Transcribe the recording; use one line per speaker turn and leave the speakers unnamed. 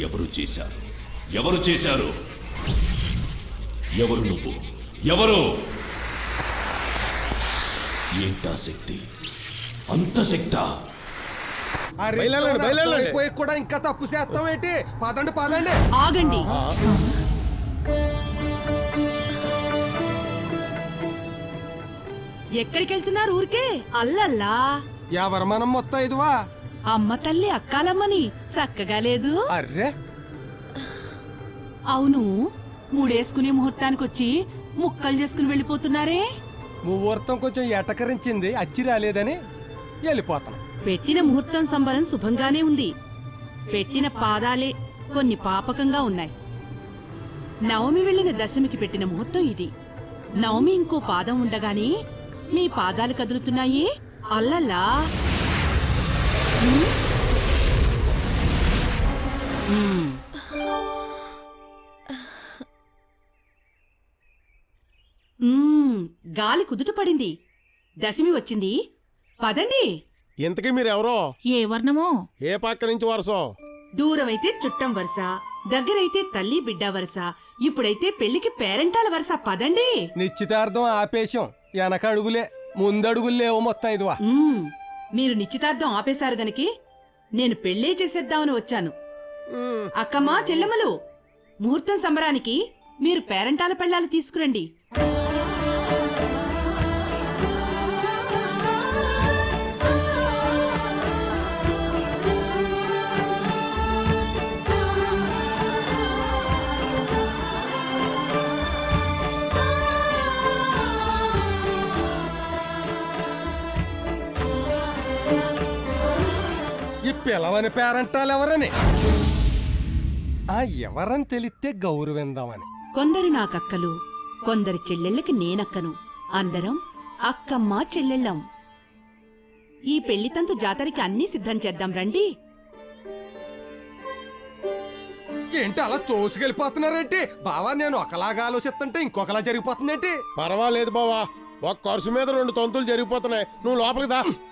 ఎవరు చేశారు? ఎవరు చేశారు? ఎవరు నువ్వు? ఎవరు? ఏంటా శక్తి? అంత శక్తా?
కూడా ఇంకా తప్పు చేస్తాం ఏంటి? పదండి పదండి.
ఆగండి. ఎక్కడికెళ్తున్నారు? ఊరికే అల్లల్లా.
ఎవరు మనం మొత్తం ఇదివా?
అమ్మ తల్లి అక్కాలమ్మని చక్కగా లేదు.
అర్రే
అవును, మూడేసుకునే ముహూర్తానికొచ్చి ముక్కలు చేసుకుని వెళ్ళిపోతున్నారే.
ముహూర్తం కొంచెం ఎటకరించింది, అచ్చి రాలేదని వెళ్ళిపోతాం.
పెట్టిన ముహూర్తం సంబరం శుభంగానే ఉంది. పెట్టిన పాదాలే కొన్ని పాపకంగా ఉన్నాయి. నవమి వెళ్ళిన దశమికి పెట్టిన ముహూర్తం ఇది. నవమి ఇంకో పాదం ఉండగానే మీ పాదాలు కదులుతున్నాయి. అల్లల్లా. గాలి కుదుట పడింది. దశమి వచ్చింది. పదండి.
ఇంతకీ మీరెవరో?
ఏ వర్ణమో?
ఏ పక్క నుంచి వరసో?
దూరమైతే చుట్టం వరుస, దగ్గరైతే తల్లి బిడ్డ వరుస, ఇప్పుడైతే పెళ్లికి పేరెంటాల వరుస. పదండి.
నిశ్చితార్థం ఆపేశం, వెనక అడుగులే ముందడుగులేవో మొత్తం ఇదివా.
మీరు నిశ్చితార్థం ఆపేశారు గనికి నేను పెళ్లే చేసేద్దామని వచ్చాను. అక్కమ్మా చెల్లెమ్మలు, ముహూర్తం సంబరానికి మీరు పేరెంటాల పెళ్ళాలు తీసుకురండి.
ఈ పిలవని పేరంటాలు ఎవరని? ఆ ఎవరని తెలిస్తే గౌరవిందామని.
కొందరు నాకక్కలు, కొందరు చెల్లెళ్ళకి నేనక్కను. అందరం అక్కమ్మ చెల్లెళ్ళం. ఈ పెళ్లితంతు జాతరకి అన్నీ సిద్ధం చేద్దాం రండి.
ఏంటి అలా తోసుకెళ్ళిపోతున్నారేంటి? బావా, నేను ఒకలాగా ఆలోచిస్తుంటే ఇంకొకలా జరిగిపోతుందేంటి?
పర్వాలేదు బావా, ఒక ఖర్చు మీద 2 తంతులు జరిగిపోతున్నాయి. నువ్వు లోపలికి దా.